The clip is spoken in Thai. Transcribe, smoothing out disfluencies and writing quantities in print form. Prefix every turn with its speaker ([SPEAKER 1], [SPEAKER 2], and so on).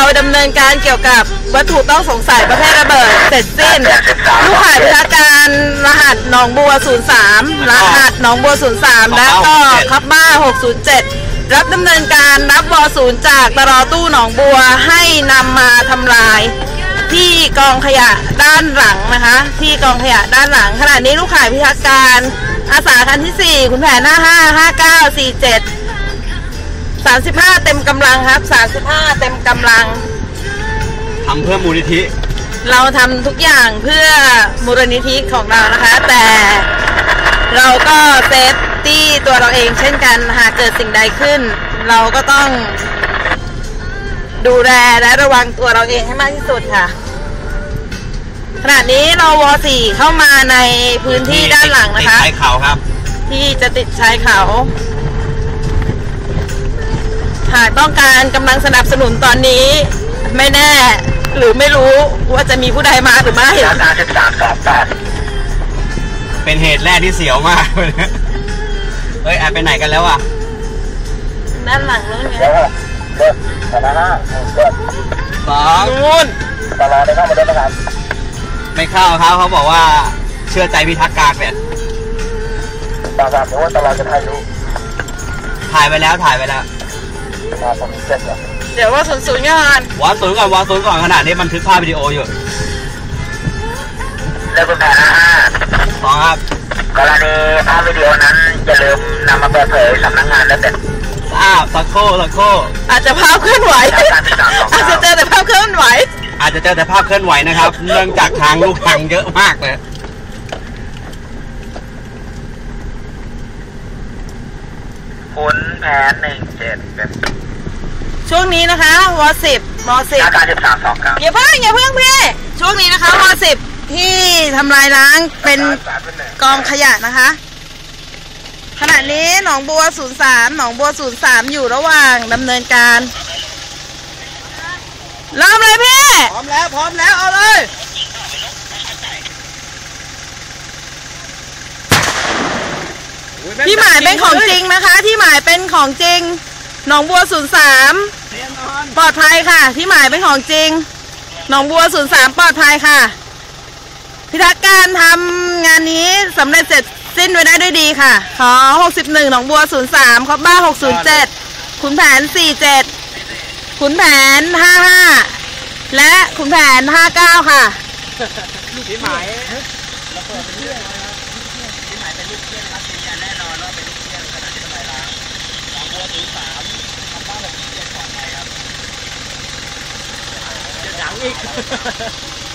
[SPEAKER 1] ดำเนินการเกี่ยวกับวัตถุต้องสงสัยประเภทระเบิดเสร็จสิ้นลูกข่ายพิทักษ์การรหัสหนองบัว 03 รหัสหนองบัว 03 และก็คับบ้า 607 รับดำเนินการรับว.0 จากตรตู้หนองบัวให้นำมาทำลายที่กองขยะด้านหลังนะคะที่กองขยะด้านหลังขณะนี้ลูกข่ายพิทักษ์การอาสาคันที่ 4 คุณแผน 555947 35 เต็มกำลังครับ35 เต็มกำลัง
[SPEAKER 2] ทำเพื่อมูลนิธิ
[SPEAKER 1] เราทำทุกอย่างเพื่อมูลนิธิของเรานะคะแต่เราก็เซฟตี้ตัวเราเองเช่นกันหากเกิดสิ่งใดขึ้นเราก็ต้องดูแลและระวังตัวเราเองให้มากที่สุดค่ะขณะนี้เราว.4 เข้ามาในพื้นที่ด้านหลังนะคะ
[SPEAKER 2] ชายเขาครับ
[SPEAKER 1] ที่จะติดชายเขาหากต้องการกำลังสนับสนุนตอนนี้ไม่แน่หรือไม่รู้ว่าจะมีผู้ใดมาหรือไม่
[SPEAKER 2] เป็นเหตุแรกที่เสียวมากเฮ้ยแอบไปไหนกันแล้วอ่ะ
[SPEAKER 1] ด้านหลังนู้นไง
[SPEAKER 2] นู่นตลอดไม่เข้ามาด้วยนะครับไม่เข้าครับเขาบอกว่าเชื่อใจพิทักษ์การเนี่ยตลอดเพราะว่าตลอดจะถ่ายรูปถ่ายไปแล้ว
[SPEAKER 1] เดี๋ยวว่าศูนย์ก่อน
[SPEAKER 2] วศูนย์ก่อนขนาดนี้บันทึกภาพวิดีโออยู่
[SPEAKER 3] เรื่องคุณแผน
[SPEAKER 2] สองครับ
[SPEAKER 3] กรณีภาพวิดีโอนั้นอย่าลืมนำมาเปิดเผยสำนักงานและเป็น
[SPEAKER 2] สักโค
[SPEAKER 1] อาจจะภาพเคลื่อนไหวอาจจะเจอแต่ภาพเคลื่อนไหว
[SPEAKER 2] นะครับเนื่องจากทางลูกทางเยอะมากเลย
[SPEAKER 3] คุณแผน17เป็น
[SPEAKER 1] ช่วงนี้นะคะว.10
[SPEAKER 3] การ1329
[SPEAKER 1] อย่าเพิ่งพี่ช่วงนี้นะคะว.10ที่ทำลายล้างเป็นกองขยะนะคะขณะนี้หนองบัว 03 อยู่ระหว่างดำเนินการเริ่มเลยพี่
[SPEAKER 2] พร้อมแล้วเอาเลย
[SPEAKER 1] ที่หมายเป็นของจริงนะคะที่หมายเป็นของจริงหนองบัว 03 ปลอดภัยค่ะที่หมายเป็นของจริงหนองบัว 03 ปลอดภัยค่ะพิทักษ์การทำงานนี้สำเร็จเสร็จสิ้นไว้ได้ด้วยดีค่ะขอ61หนองบัว 03 คับบ้า 607 ขุนแผน 47 ขุนแผน 55 และขุนแผน 59 ค่ะ
[SPEAKER 2] ที่หมายอีก